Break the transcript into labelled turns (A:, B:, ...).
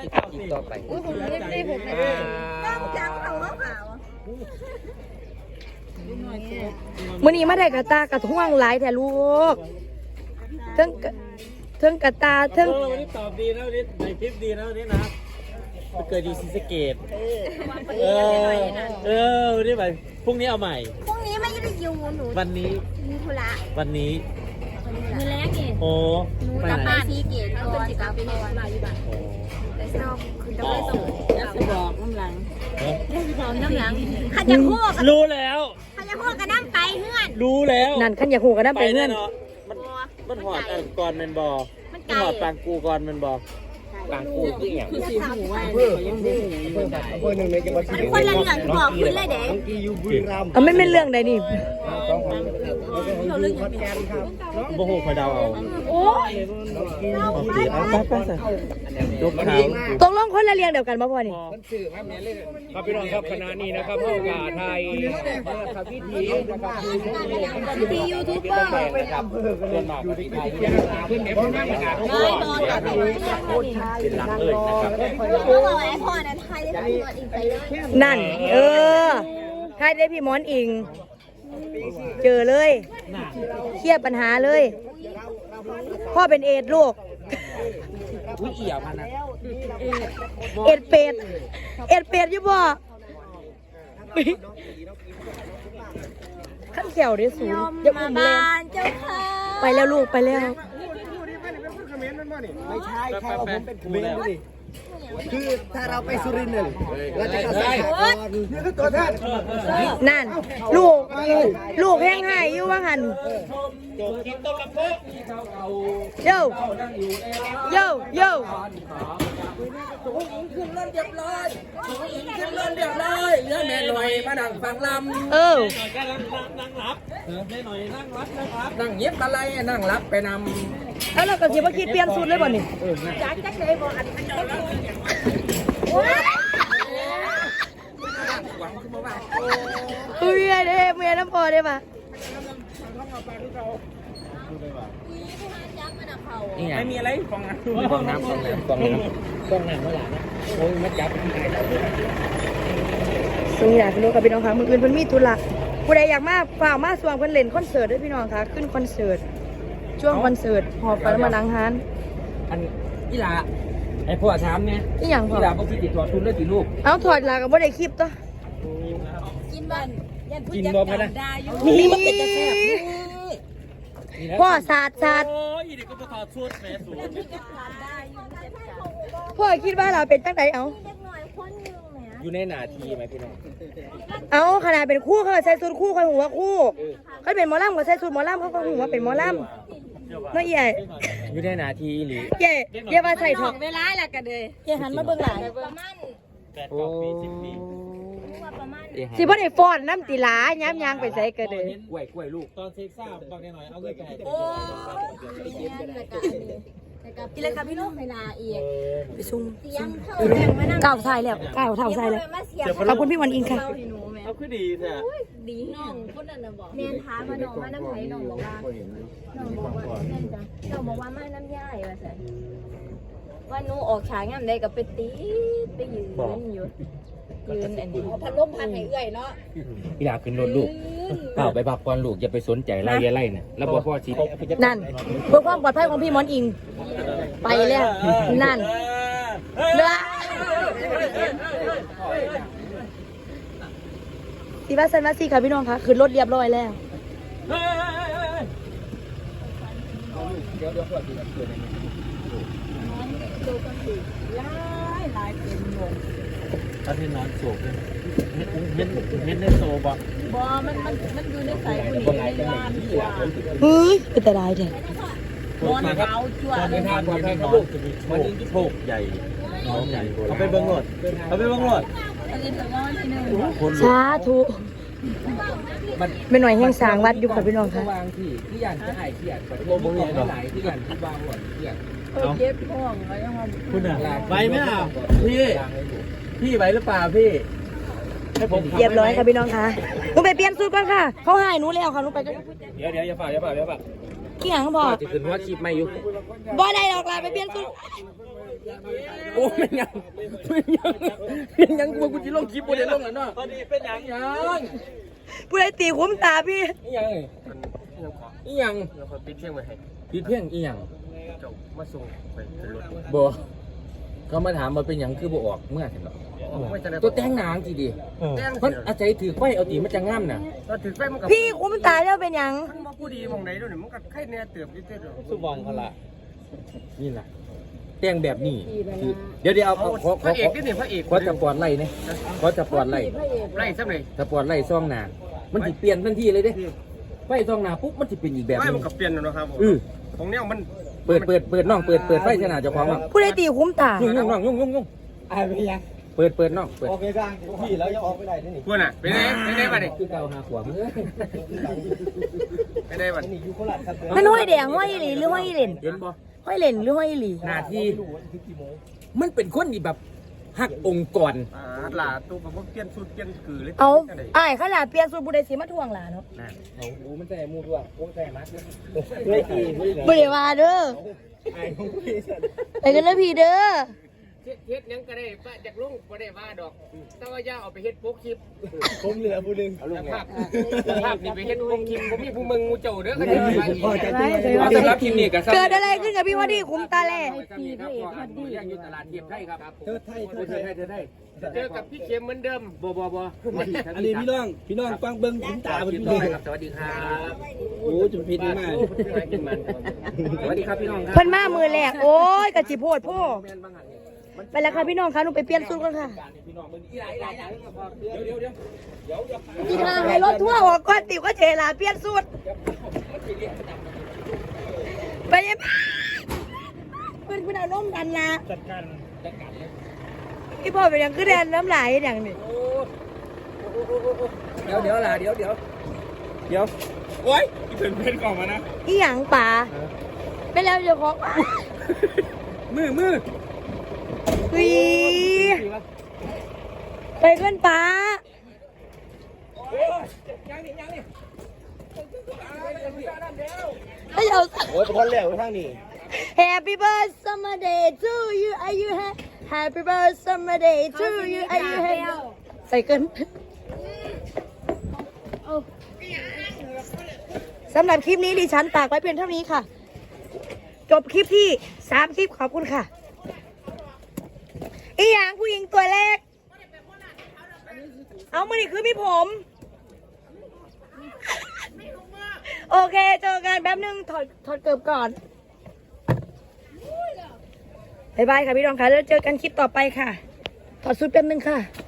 A: กินต่อไป
B: ผมไม่ผมไม่ต้องจังเขาขาวมื้อนี้มาได้กระตากระท่วงหลายแต่ลูกเทิงกระตาเทิง
C: วันนี้ตอบดีนะวันนี้ในคลิปดีนะวันนี้นะเกิดอยู่ศรีสะเกษวันนี้ไปพรุ่งนี้เอาใหม่
B: พรุ่งนี้ไม่ได้อยู่หนู
C: วันนี้
B: มีธุระ
C: วันนี้
B: มือแรกนี่
C: โอ้
B: หนูกลับบ้านซีเกตก่อนกลับไปนอนอยู่บ้านแต่ชอบคือจะไม่ส่งจะบอกน้ำหลังบอกน้ำหลังขันจะพูด
C: รู้แล้ว
B: ขันจะพูดกันนั่งไปเพื่อน
C: รู้แล้ว
B: นั่นขันอยากหูกันนั่งไปเพื่อน
C: มันหอดก่อนมันบอมันหอดปางกูก่อนมันบอปางกูคืออย่าง
B: คือสีหูว่ายังหูคนละเรื่องบอกขึ้นเลยเด็กไม่เป็นเรื่องใดนี่
C: โอ้โหคอยดาวเอา
B: โอ้ย
C: ลูกเขา
B: ตกลงคนละเรื่องเดียวกันป่ะพ่อนี่
C: ครับพี่น้องครับคณะนี้นะครับพ่อกาไทยครับพิธีนะครับ
B: พิธียูทูบเบอร์
C: เป็นอำเภอเป็นอยู่ที่ไทยขึ้นในพ้นนั่งกาทุกคนเป็นหลักเลยนะครับ
B: เขาบอกไอ้พ่อนั้นไทยได้พี่มอนอิงไปเลยนั่นไทยได้พี่มอนอิงเจอเลยเครียดปัญหาเลยพ่อเป็นเอดลูก
C: อุ้ยเอี่ยมันนะ
B: เอ็ดเป็ดอยู่บ่ขั้นแขวได้สูงจะอุ้มเลยไปแล้วลูกไปแล้ว
A: ไม่ใช่แค่เอาผมเป็นครูแล้วคือถ้าเราไปสุรินทร์เนี่ยเราจะกระแสก่อนนี่คือตัวท่าน
B: นั่นลูกแห้งหายอยู่ว่าหันโย่
A: ขึ้นรถเรียบร้อยเรื่องแม่หน่อยมานั่งฟังลำ
C: นั่งรับแม่หน่อยนั่งรับ
A: นั่งเย็บอะไรนั่งรับไปน
B: ำแล้วเราก็คิดว่าคิดเปลี่ยนสูตรเลยบ่นี่จักเลยบ่อันเมียน้ำพอได้ปะ
C: ไม่มีอะไรฟองน้ำ
A: ฟองน้ำเมื่อไหร่นะโอ้ยมาจับ
B: ส่งอยากไปรู้กับพี่น้องค่ะมืออื่นเพิ่นมีธุระผู้ใดอยากมาฝากมาสว่างเพิ่นเล่นคอนเสิร์ตด้วยพี่น้องค่ะขึ้นคอนเสิร์ตช่วงคอนเสิร์ตหอบไปแล้วมาล้างฮาน
A: อันอีหลาไอ้พ่อถามเนี่ย
B: อีหยังพ่อ
A: อีหลาบ่คิดติดตัวทุนเลยติลูก
B: เอาถอดลากับบ่ได้คลิปตัว
A: กินบ่พะนะ
B: มีพ่อสาด
C: โอ้ยนี่ก็บ่ถอดชุดแม่สูง
B: พ่อคิดว่าเราเป็นตั้งใจเอา
A: อยู่ในหน้าที่ไหมพี่น้อง
B: เอาขนาดเป็นคู่เขาใส่สูทคู่เขาหัวคู่เขาเป็นหมอลำก็ใส่สูทหมอลำเขาก็หัวเป็นหมอลำน้อยใหญ่
A: อยู่ในหน้าที่หรือ
B: เย่มาใส่ถอดเวลาแหละกันเลยเย่หันมาเบิ่งหลัง
C: 8 ปี 10 ปี
B: สิบ่ได้ฟอนน้ำตีหลาย้ำยางไปใส่กันเลย
A: กล้วยลูก
C: ตอนเซ็กซ่าบางหน่อยเอาเงินไปให้
B: โอ้กินเลยครับพี่ลูกเวลาอีกไปซุ่มก้าวทรายแล้วก้าวเท้าทรายแล้วขอบคุณพี่วันอิงค่ะ
C: เอาคือดีแท้
B: ดีน้องคนนั้นน่ะบอกเมียนท้ามาน้องมาน้ำไผ่น้องบอกว่าแม่นจ้ะน้องบอกว่ามาน้ำย่ายว่าซั่นว่าหนูออกฉากงามใดก็ไปตีไปยืนอยู่อันนี้พัดลมพัดให้เอื้อยเนาะ
A: พี่ดาขึ้นรถลูกเปล่าไปพักก่อนลูกอย่าไปสนใจไล่ไล่น่ะแล้วพ่อชี้
B: นั่นเพื่อความปลอดภัยของพี่มอนอิงไปแล้วนั่นเนื้อสีบ้าซันมาซีค่ะพี่น้องค่ะขึ้นรถเรียบร้อยแล้ว
C: ตอนที่นอนโศกเลยเห็นในโซบ่
B: มันอยู่ในสายผู้หญิงในบ้านกว่าเฮ้ยเป็นแต่ได้เด็ก
C: นอนเขาจวดในทางความให้นอนจะมีโชคใหญ่น้องใหญ่เอาไปเบิ้งหมด
B: สาธุเป็นหน่วยแห่งสางวัดอยู่กับพี่น้องค่ะ
A: ที่ยันจะหายเขียดกับโลโบมีหลายที่ยันที่วางหมดเขียด
C: เก็บพ่องอะไรยังไงคุณอ่ะไปไหมอ่ะพี่ไปหรือเปล่าพี่ให้ผม
B: เรียบร้อยค่ะพี่น้องค่ะหนูไปเปลี่ยนสูตรก่อนค่ะเขาให้หนูแล้วค่ะหนูไป
C: เดี๋ยวอย่าฝ่า
B: ขี้หางพอ
A: จะขึ้นว่าคลิปไม่อยู่
B: บ่ได้หรอกล่ะไปเปลี่ยนสูตร
C: โอ้เป็นยังเป็นยังกูจะลงคลิปบ่ได้ลงแล้วเนาะเป็นยัง
D: ผู้ใดตีคุ้มตาพี่
C: อีหยังปิดเพียงไว้ให้ปิดเพียงอีหยังเจ้ามาส่งไปขึ้นรถบ่เขามาถามมาเป็นหยังคือบ่ออกเมื่อเห็นหรอตัวแต่งหนางสิดิมันอาศัยถือไฟเอาตีมันจะงามน่ะ
D: พี่คุ้มตาแล้วเป็นหยัง
E: มันมาผู้ดีมองไหนด้วยเนี่ยมันก็ไข่แน่เติบยิ่งเติบ
C: สุบองเขาละนี่แหละแต่งแบบนี้เดี๋ยวเอา
E: พระเอกนี่นี่พระเอก
C: ขอจะปอดไล่เนี่ยขอจะปอดไล่
E: ไล่ซ้ำเลย
C: ถ้าปอดไล่ซ่องหนามันสิเปลี่ยนทันทีเลยเด้ไฟซ่องหนาปุ๊บมันสิเป็นอีกแบบ
E: ไม่
C: นึ
E: มัน
C: ง
E: ก็เปลี่ยนแล้วนะครับของเนี้ยมัน
C: เปิดน้องเปิดไฟชนะเจ้าของอ่ะ
D: ผู้ใดตีคุ้มตา
C: ยุ่งยุ่ง
A: ไอ้ไปยัง
C: เปิดน้องเปิด
A: ออกไปกลางพี่แล้วยังออกไม่ได้นี่
E: พวกน่ะไปไหนมาดิ
C: คือเกาหาขวบ
E: ไปไหนมา
A: นี่อยู่โคราชครับ
D: มันห้อยแดงห้อยอีหลีหรือห้อยอีเหล่น
C: เห็นบ่
D: ห้อยเหล่นหรือห้อยอีหลี
C: หน้าที่มันเป็นคนที่แบบหักองค์กร
E: หลาตัวกับพวกเปลี่ยนสูตรเปลี่ยนกือเลย
D: เอาอ้ายเขาหลาเปลี่ยนสูตรผู้ใดสิมาทวงหลาเนาะ
C: เอาอูมันใส่มูด้วยโอ้ใส่มัด
A: เฮ้ยตี
D: บ่ได้ว่าเด้อ
A: ไอ้ของพี่สัตว์
D: ไปกันนะพี่เด้อ
E: เฮ็ดยังก็ได้ป้าจากลุงก็ได้ว่าดอกแต่ว่าย่าเอาไปเฮ็ดโป๊กคลิป
A: ผมเหลือผู้นึง
E: ภาพนี่ไปเฮ็ดโป๊กคลิปผมมีผู้มึงงูเจ้าเด้อก็ได้ว่าอีก
C: สำหรับทีมนี้ก็
D: เกิดอะไรขึ้นกับพี่วอดี้คุ้มตาแล
C: ยังอยู่ตลาดเทียบไทยครับ
A: เธอไทย
C: เธอไทย
E: เจอกับพี่เข็มเหมือนเดิม
C: บ่
A: อันนี้พี่น้องฟังเบิ้งคุ้มตา
C: ส
A: พี่น้อง
C: วัสดีครับ
A: โอ้จุดผิดมาก
C: สวัสดีครับพี่น้องครับ
D: เพิ่นมามือแรกโอ้ยกะจิโพดพ่อไปแล้วค่ะพี่น้องค่ะหนูไปเปลี่ยนสูตรก่อนค่ะ
C: พี่น้องมึงอีหลายเดี๋ยว
D: พี่นาให้รถทั่วออกก่อนติวก็เจลาเปลี่ยนสูตรไปยังเพิ่นเอานมดันนะ
A: จัดการ
D: พี่พ่อเป็นหยังคือแดนน้ำลายอย่างนี้
C: เดี๋ยวล่ะเดี๋ยว
E: โอ้ยเป็นกล่องมานะ
D: อีหยังป่าไปแล้วเดี๋ยวของ
C: มือ
D: วีไปเพื่อนป้าเฮ้ยเอา
A: โอ้ยคนแล้วทางนี้
D: Happy birthday summer day to you are you happy birthday summer day to you are you happy ใส่เกินสำหรับคลิปนี้ดิฉันฝากไว้เพียงเท่านี้ค่ะ จบคลิปที่3 คลิปขอบคุณค่ะอีหยังผู้หญิงตัวเล็กเอามือนี่คือพี่ผม โอเคเจอกันแป๊บนึงถอดเกือบก่อนบ๊ายบายค่ะพี่รองค่ะแล้วเจอกันคลิปต่อไปค่ะถอดชุดแป๊บนึงค่ะ